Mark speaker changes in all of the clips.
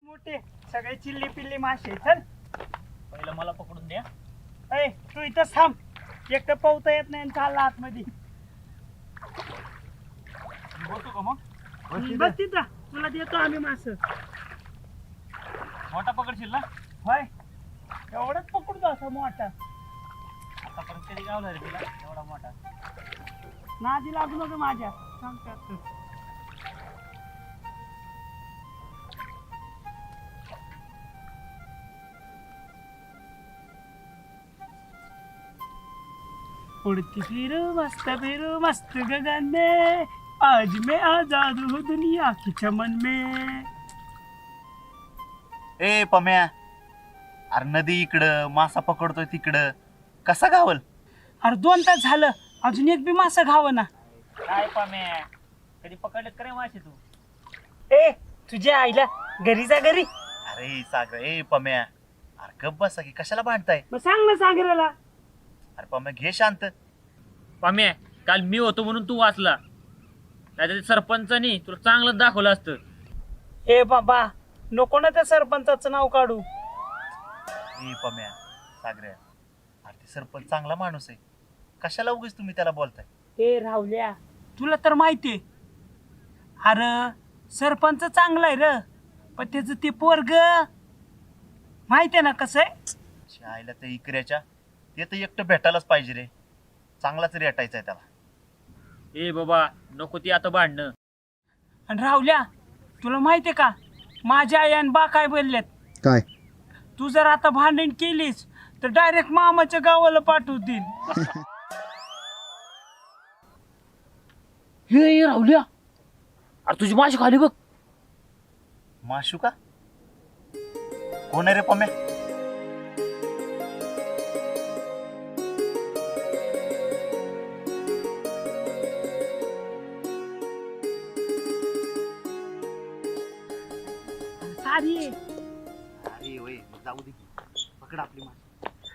Speaker 1: मोठे सगळे चिल्ली पिल्ली मासे. चल
Speaker 2: पहिलं मला पकडून द्या.
Speaker 1: ए तू इथंच थांब. एक तर पोहता येत नाही आणि चालला आतमध्ये.
Speaker 2: बोलतो का मग?
Speaker 1: बस तिथं तुला देतो आम्ही मास.
Speaker 2: मोठा पकडशील ना?
Speaker 1: होय एवढंच पकडतो असं मोठा.
Speaker 2: आतापर्यंत कधी गावला रे तिला एवढा मोठा?
Speaker 1: नादी लागू नका माझ्या सांगतात. उड़ती फिरू मस्त गगन में, आज मैं आजाद हूँ दुनिया की चमन में.
Speaker 3: ए पम्या, अरे नदी इकडं मासा पकडतोय तिकडं, कसा गावल?
Speaker 1: अरे 2 तास झालं अजून एक बी मासा घावं ना.
Speaker 2: काय पाम्या, कधी पकडलेत का रे मासे तू?
Speaker 1: ए तुझ्या आईला घरी जा घरी.
Speaker 3: अरे सागर, ए पम्या, अरे गप बसा की कशाला भांडताय?
Speaker 1: मग सांग ना सागराला.
Speaker 3: अरे पम्या घे शांत.
Speaker 2: पाम्या, काल मी होतो म्हणून तू वाचला, नाही सरपंचानी तुला चांगलं दाखवलं असतं.
Speaker 1: ए बाबा नको ना त्या सरपंचाचं नाव काढू.
Speaker 3: ए पम्या, सागऱ्या, अरे ते सरपंच चांगला माणूस आहे, कशाला उगीच तुम्ही त्याला बोलताय?
Speaker 1: ए राहुल्या तुला तर माहितीये, अरे सरपंच चांगला आहे र, पण त्याचं ते पोरग माहितीये ना कसं आहे.
Speaker 3: आईला त्या इकऱ्याच्या, ते तर एकटं भेटायलाच पाहिजे रे, चांगलाच रेटायचा आहे त्याला.
Speaker 2: ए बाबा नको ती आता भांडणं.
Speaker 1: आणि राहुल्या तुला माहितीये का माझ्या आई आणि बा काय बोलल्यात?
Speaker 4: काय?
Speaker 1: तू जर आता भांडण केलीस तर डायरेक्ट मामाच्या गावाला पाठवतील.
Speaker 2: हे राहुल्या, अरे तुझी माशी खाली बघ.
Speaker 3: माशू का? कोण आहे रे पम्या?
Speaker 1: सारी
Speaker 3: अरे वय जाऊ दे की, पकड आपली माशी.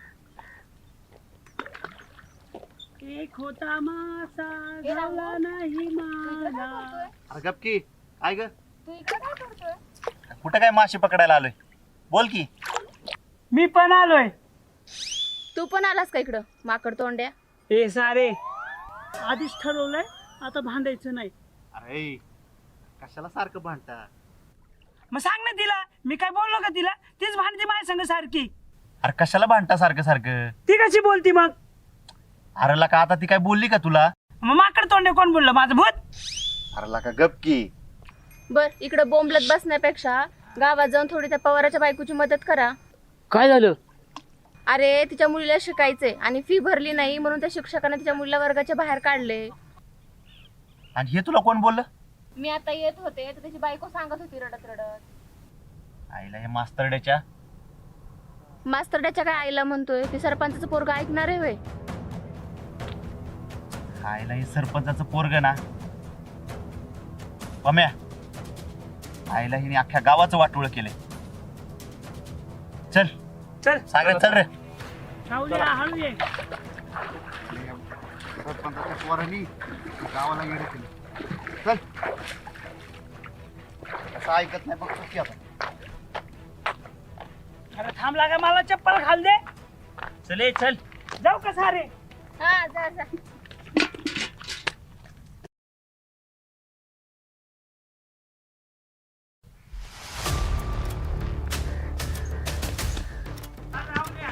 Speaker 1: एक होता मासा गावला नाही मला.
Speaker 3: अरे गप की, काय ग?
Speaker 5: तू इकडे काय करतोय?
Speaker 3: कुठं काय माशी पकडायला आलोय? बोल की.
Speaker 1: मी पण आलोय.
Speaker 5: तू पण आलास का इकडं माकड तोंड्या?
Speaker 1: ए सारे आधीच ठरवलंय आता भांडायचं नाही.
Speaker 3: अरे कशाला सारखं भांडता?
Speaker 1: मग सांग ना तिला, मी काय बोललो का तिला? तीच भांडते माझ्या संग सारखी.
Speaker 3: अरे कशाला भांडता सारखं सारखं?
Speaker 1: ती कशी बोलती मग?
Speaker 3: अरे लका आता ती काय बोलली का तुला?
Speaker 1: मग माकड तोंडे कोण बोललं? माझं भूत?
Speaker 3: अरे लका गप की.
Speaker 5: बर इकडं बोंबलत बसण्यापेक्षा गावात जाऊन थोडी त्या पवाराच्या बायकोची मदत करा.
Speaker 2: काय झालं?
Speaker 5: अरे तिच्या मुलीला शिकायचंय आणि फी भरली नाही म्हणून त्या शिक्षकाने तिच्या मुलीला वर्गाच्या बाहेर काढले.
Speaker 3: आणि हे तुला कोण बोललं?
Speaker 5: मी आता येत होते तर त्याची बायको सांगत होती रडत रडत.
Speaker 3: आईला हे मास्तरड्याच्या.
Speaker 5: मास्तरड्याच्या काय आईला म्हणतोय? ती सरपंचाचं पोरग ऐकणार आहे होय?
Speaker 3: आईला हे सरपंचाचं पोरग ना पम्या, आईला हिने अख्ख्या गावाचं वाटोळ केलंय. चल
Speaker 1: चल
Speaker 3: सागर चल रे.
Speaker 1: राहुल्या हळू ये.
Speaker 3: सरपंचाच्या पोरांनी गावाला येणं केलं. चल. असं ऐकत नाही बघ की आता.
Speaker 1: अरे थांबला का? मला चप्पल घाल दे.
Speaker 2: चल चल.
Speaker 1: जाऊ का सारे?
Speaker 5: हा जा जा.
Speaker 1: राहुल्या.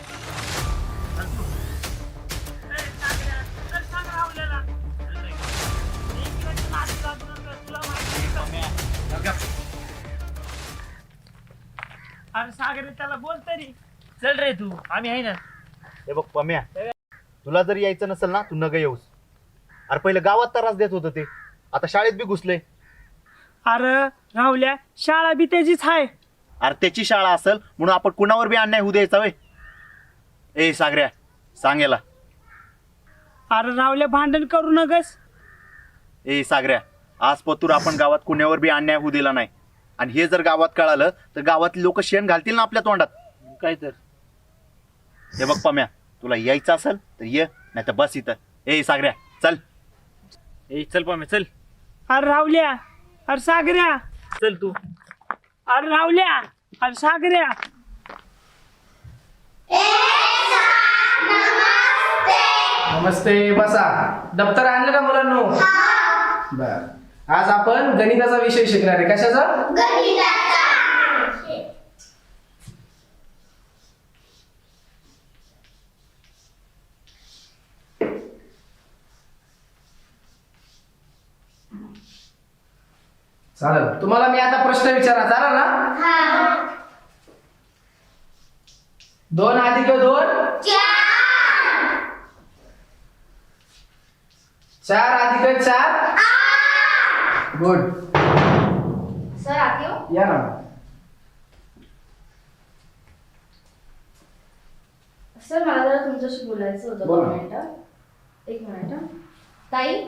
Speaker 1: ए, सागऱ्या, चल सांग राहुल्याला. इकडे नादी लागू नका, तुला माहिती आहे का? अरे सागर त्याला बोल तरी.
Speaker 2: चल रे तू, आम्ही आहे ना.
Speaker 3: हे बघ पम्या, तुला जर यायचं नसेल ना तू नग येऊस. अरे पहिले गावात त्रास देत होतं ते, आता शाळेत बी घुसले.
Speaker 1: अरे राहुल्या शाळा बी त्याचीच आहे.
Speaker 3: अरे त्याची शाळा असेल म्हणून आपण कुणावर बी अन्याय होऊ द्यायचा वय? ए सागऱ्या सांगेला.
Speaker 1: अरे राहुल्या भांडण करू नगस.
Speaker 3: ए सागऱ्या, आज पतूर आपण गावात कुणावर बी अन्याय होऊ दिला नाही, आणि हे जर गावात कळालं तर गावातली लोक शेण घालतील ना आपल्या तोंडात.
Speaker 2: काय तर
Speaker 3: हे बघ पम्या, तुला यायचं असेल तर ये, नाही तर बस इथं. ए सागऱ्या चल.
Speaker 2: ए चल पाम्या चल.
Speaker 1: अरे राहुल्या, अरे सागऱ्या,
Speaker 2: चल तू.
Speaker 1: अरे रावल्या, अरे सागऱ्या.
Speaker 4: नमस्ते, बसा. दप्तर आणलं का मुलांनो? बर. आज आपण गणिताचा विषय शिकणार आहे. कशाचा? चालेल. तुम्हाला मी आता प्रश्न विचारा, चालेल ना? 2 अधिक 2 4 अधिक 4 गुड.
Speaker 5: सर आते हो.
Speaker 4: या ना.
Speaker 5: सर मला जरा तुमच्याशी बोलायचं होतं.
Speaker 4: बोला.
Speaker 5: 2 मिनिटं. 1 मिनिट हं. ताई,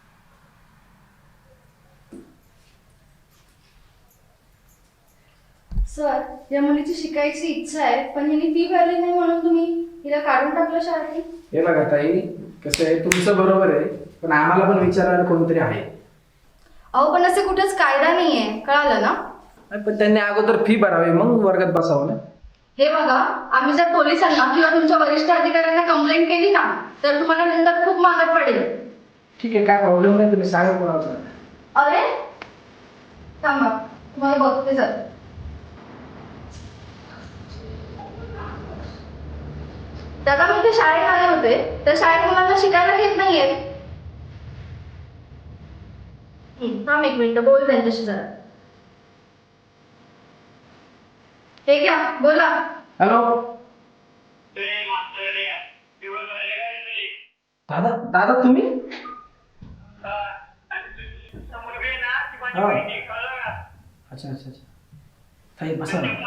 Speaker 5: सर या मुलीची शिकायची इच्छा आहे, पण हिने फी भरली नाही म्हणून तुम्ही हिला काढून टाकलं शाळेतून.
Speaker 4: हे बघा ताई, कसं आहे, तुमचं बरोबर आहे, पण आम्हाला पण विचारायला कोणतरी आहे.
Speaker 5: अहो पण असे कुठेच कायदा नाहीये, कळालं ना?
Speaker 4: पण त्यांनी अगोदर फी भरावी, मग वर्गात बसावं ना.
Speaker 5: हे बघा, आम्ही जर पोलिसांना किंवा तुमच्या वरिष्ठ अधिकाऱ्यांना कंप्लेंट केली ना, तर तुम्हाला दंड खूप महाग पडेल.
Speaker 4: ठीक आहे, काय प्रॉब्लेम नाही, तुम्ही सांगा कोणाला.
Speaker 5: अरे थांबा, तुम्हाला बघते सर. दादा मी ते शाळेत आले होते, तर शाळेत मुलांना शिकायला घेत नाहीये. थांब 1 मिनिट, बोल त्यांच्याशी जरा. हे घ्या, बोला.
Speaker 4: हॅलो दादा. दादा तुम्ही? हा. अच्छा अच्छा अच्छा. ताई बसा ना.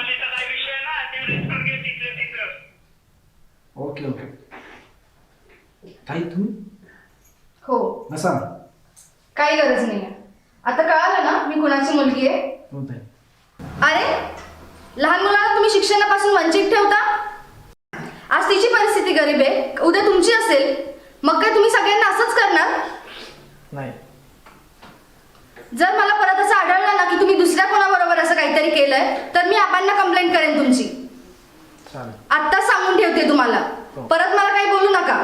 Speaker 4: Okay okay. ताई तुम्ही
Speaker 5: हो,
Speaker 4: बसा ना.
Speaker 5: काही गरज नाहीये. आता कळालं ना मी कुणाची मुलगी आहे?
Speaker 4: हो ताई.
Speaker 5: अरे लहान मुलांना तुम्ही शिक्षणापासून वंचित ठेवता. आज तिची परिस्थिती गरीब आहे, उद्या तुमची असेल, मग काय तुम्ही सगळ्यांना असंच करणार?
Speaker 4: नाही.
Speaker 5: जर मला परत असं आढळलं ना की तुम्ही दुसऱ्या कोणाबरोबर असं काहीतरी केलंय, तर मी आबांना कंप्लेंट करेन तुमची.
Speaker 4: चालेल.
Speaker 5: आत्ताच सांगून ठेवते तुम्हाला,
Speaker 4: हो.
Speaker 5: परत मला काही बोलू नका.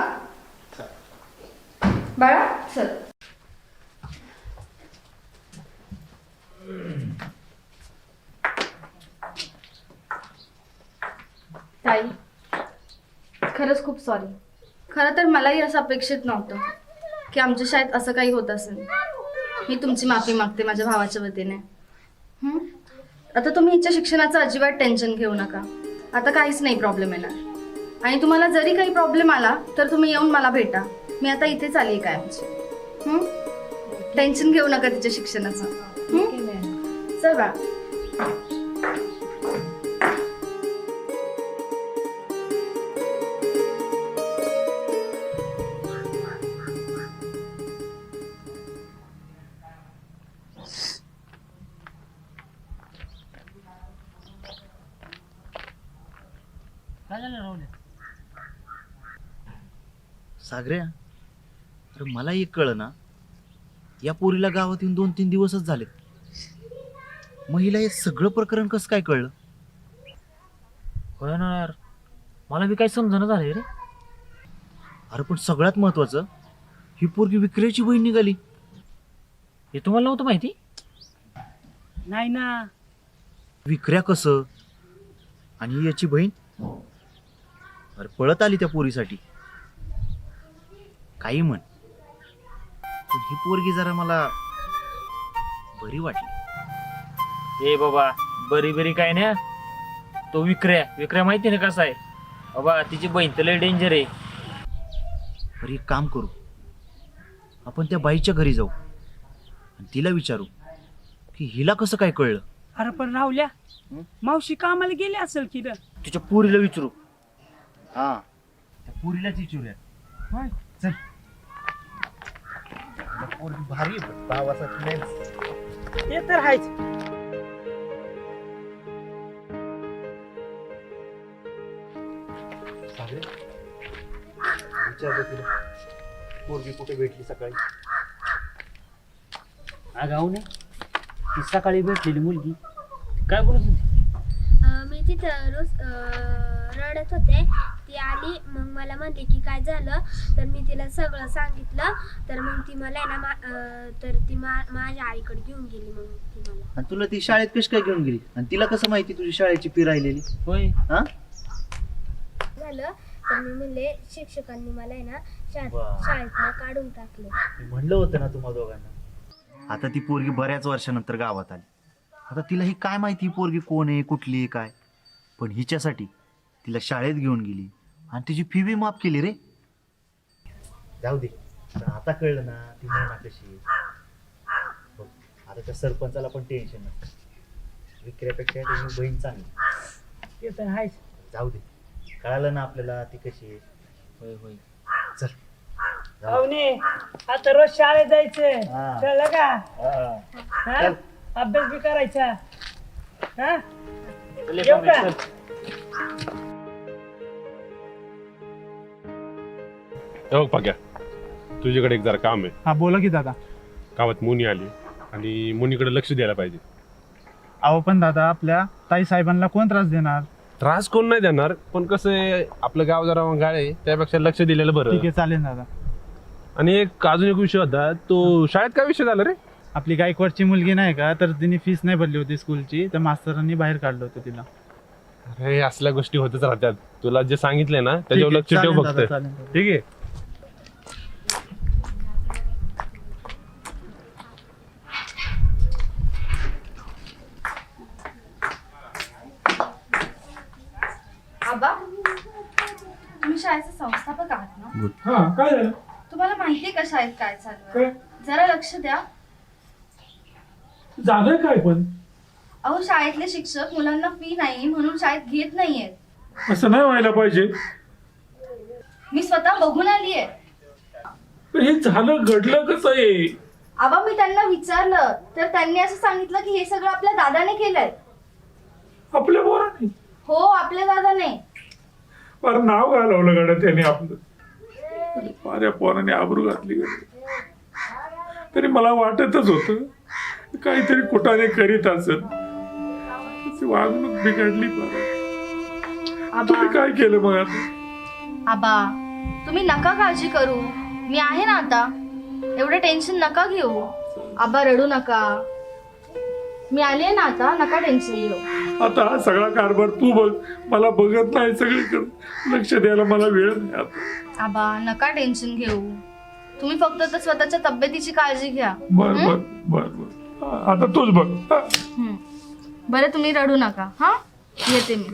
Speaker 5: बाळा चल. ताई खरंच खूप सॉरी. खरं तर मलाही असं अपेक्षित नव्हतं की आमच्या शाळेत असं काही होत असेल. मी तुमची माफी मागते माझ्या भावाच्या वतीने. आता तुम्ही हिच्या शिक्षणाचं अजिबात टेन्शन घेऊ नका. आता काहीच नाही प्रॉब्लेम येणार. आणि तुम्हाला जरी काही प्रॉब्लेम आला तर तुम्ही येऊन मला भेटा. मी आता इथेच आली आहे कायमची. टेन्शन घेऊ नका तिच्या शिक्षणाचं. चल बा.
Speaker 2: काय झालं राहुल्या?
Speaker 3: सागऱ्या, अरे मला एक कळ ना, या पोरीला गावात येऊन 2-3 दिवसच झालेत. महिला हे सगळं प्रकरण कसं काय कळलं?
Speaker 2: होय ना यार, मला बी काही समजणं झालंय रे.
Speaker 3: अरे पण सगळ्यात महत्वाचं, ही पोरगी विक्रेची बहीण निघाली.
Speaker 2: हे तुम्हाला नव्हतं माहिती?
Speaker 1: नाही ना.
Speaker 3: विक्र्या कसं आणि याची बहीण? अरे पळत आली त्या पोरीसाठी. काही म्हण, पण ही पोरगी जरा मला बरी वाटली.
Speaker 2: ए बाबा, बरी बरी काय नाही. तो विक्र्या माहिती ना कसा आहे बाबा. तिची बहीण तर लय डेंजर आहे.
Speaker 3: अरे एक काम करू, आपण त्या बाईच्या घरी जाऊ आणि तिला विचारू की हिला कसं काय कळलं.
Speaker 1: अरे पण राहुल्या, मावशी कामाला गेली असेल की रे?
Speaker 2: तिच्या पोरीला विचारू.
Speaker 3: हा, त्या पोरीलाच विचारूया.
Speaker 1: होय.
Speaker 3: चल. पोरगी भारी आहे, भावासाठी नाही.
Speaker 1: ते तर आहेच.
Speaker 3: विचारतो तिला, पोरगी कुठे भेटली सकाळी.
Speaker 1: अगाऊ नाही, ती सकाळी भेटलेली मुलगी
Speaker 2: काय बोलत होती?
Speaker 6: मी तिथं रोज रडत होते. ती आली मग मला म्हणली की काय झालं, तर मी तिला सगळं सांगितलं. तर मग ती मला आहे ना तर ती माझ्या आईकडे घेऊन गेली. मग ती मला
Speaker 3: आणि तुला ती शाळेत कशी काय घेऊन गेली आणि तिला कसं माहिती तुझी शाळेची फी राहिलेली?
Speaker 2: होय.
Speaker 3: हा
Speaker 6: झालं तर मी म्हणले शिक्षकांनी मला आहे ना
Speaker 3: वा.
Speaker 6: शाळेतनं काढून टाकलं.
Speaker 3: मी म्हणलं होतं ना तुम्हा दोघांना. आता ती पोरगी बऱ्याच वर्षानंतर गावात आली. आता तिला ही काय माहिती ही पोरगी कोण आहे, कुठली आहे, काय. पण हिच्यासाठी तिला शाळेत घेऊन गेली आणि तिची फी बी माफ केली रे. जाऊ दे, पण आता कळलं ना ती मोना कशी आहे. बघ, आता त्या सरपंचाला पण टेन्शन नसतं. विक्र्यापेक्षा त्याची बहीण चांगली.
Speaker 1: ते तर आहेच.
Speaker 3: जाऊ दे, कळालं ना आपल्याला ती कशी आहे.
Speaker 2: होय होय.
Speaker 3: चल जाऊ दे.
Speaker 1: पाहुणे आता रोज शाळेत जायचं
Speaker 3: हा.
Speaker 1: कळलं का?
Speaker 3: हा.
Speaker 1: हा?
Speaker 3: चल.
Speaker 1: अभ्यास बी करायचा. हा
Speaker 2: चल,
Speaker 1: येऊ का?
Speaker 2: चल.
Speaker 7: हो पाक्या, तुझ्याकडे एक जरा काम आहे.
Speaker 8: हा बोला की दादा.
Speaker 7: गावात मुनी आली आणि मुनीकडे लक्ष द्यायला पाहिजे.
Speaker 8: अहो पण दादा, आपल्या ताई साहेबांना कोण त्रास देणार?
Speaker 7: त्रास कोण नाही देणार, पण कसं आहे आपलं गाव जरा गाळ आहे, त्यापेक्षा लक्ष दिलेलं
Speaker 8: ठीक
Speaker 7: बरं.
Speaker 8: आहे, चालेल दादा.
Speaker 7: आणि एक अजून एक विषय होता, तो शाळेत काय विषय झाला रे?
Speaker 8: आपली गायकवाडची मुलगी नाही का, तर तिने फीस नाही भरली होती स्कूलची, तर मास्तरांनी बाहेर काढलं होतं तिला.
Speaker 7: अरे असल्या गोष्टी होतच राहतात. तुला जे सांगितलंय ना
Speaker 8: ठीक
Speaker 7: त्याच्यावर
Speaker 8: आहे,
Speaker 7: लक्ष ठेव
Speaker 8: चालेल
Speaker 7: फक्त.
Speaker 8: दादा, चालेल दादा.
Speaker 7: ठीक आहे.
Speaker 5: आबा, तुम्ही शाळेचे संस्थापक आहात ना?
Speaker 1: हा काय झालं?
Speaker 5: तुम्हाला माहितीये का शाळेत काय चालू
Speaker 1: काय?
Speaker 5: आहे? जरा लक्ष द्या.
Speaker 1: झालंय काय पण?
Speaker 5: अहो, शाळेतले शिक्षक मुलांना फी नाही म्हणून शाळेत घेत नाहीयेत.
Speaker 1: असं नाही व्हायला पाहिजे.
Speaker 5: मी स्वतः बघून आलीये.
Speaker 1: पण हे झालं घडलं कसं आहे?
Speaker 5: आबा, मी त्यांना विचारलं तर त्यांनी असं सांगितलं की हे सगळं आपल्या दादाने केलंय.
Speaker 1: आपल्या पोराने
Speaker 5: हो, आपल्या दादाने.
Speaker 9: फार नाव घालवलं गाड्या त्याने आपलं. माझ्या पोराने आबरू घातली गाड्या. तरी मला वाटतच होत काहीतरी कुठाने करीत असेल. त्याची वागणूक बिघडली फार.
Speaker 5: आबा,
Speaker 9: तुम्ही काय केलं मग आता?
Speaker 5: आबा, तुम्ही नका काळजी करू. मी आहे ना आता. एवढं टेन्शन नका घेऊ. आबा, रडू नका. मी आले ना आता, नका टेन्शन घेऊ.
Speaker 9: आता हा सगळा कारभार तू बघ. मला बघत नाही सगळीकडे. लक्ष द्यायला मला वेळ नाही आता.
Speaker 5: आबा, नका टेन्शन घेऊ. तुम्ही फक्त तर स्वतःच्या तब्येतीची काळजी घ्या.
Speaker 9: बर बर बर बर. आता तूच बघ. हा.
Speaker 5: बरं, तुम्ही रडू नका. हा, येते मी.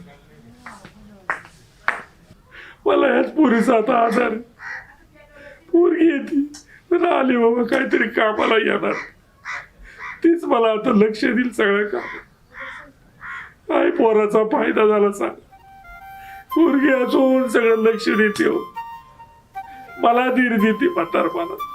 Speaker 9: मला याच पोरीचा आता आधार आहे. पोरगी येते तर आली बाबा काहीतरी कामाला येणार. तीच मला आता लक्ष देईल सगळं काम. काय पोराचा फायदा झाला सांग. पोरगी असून सगळं लक्ष देते हो. मला धीर देते म्हातारपणात.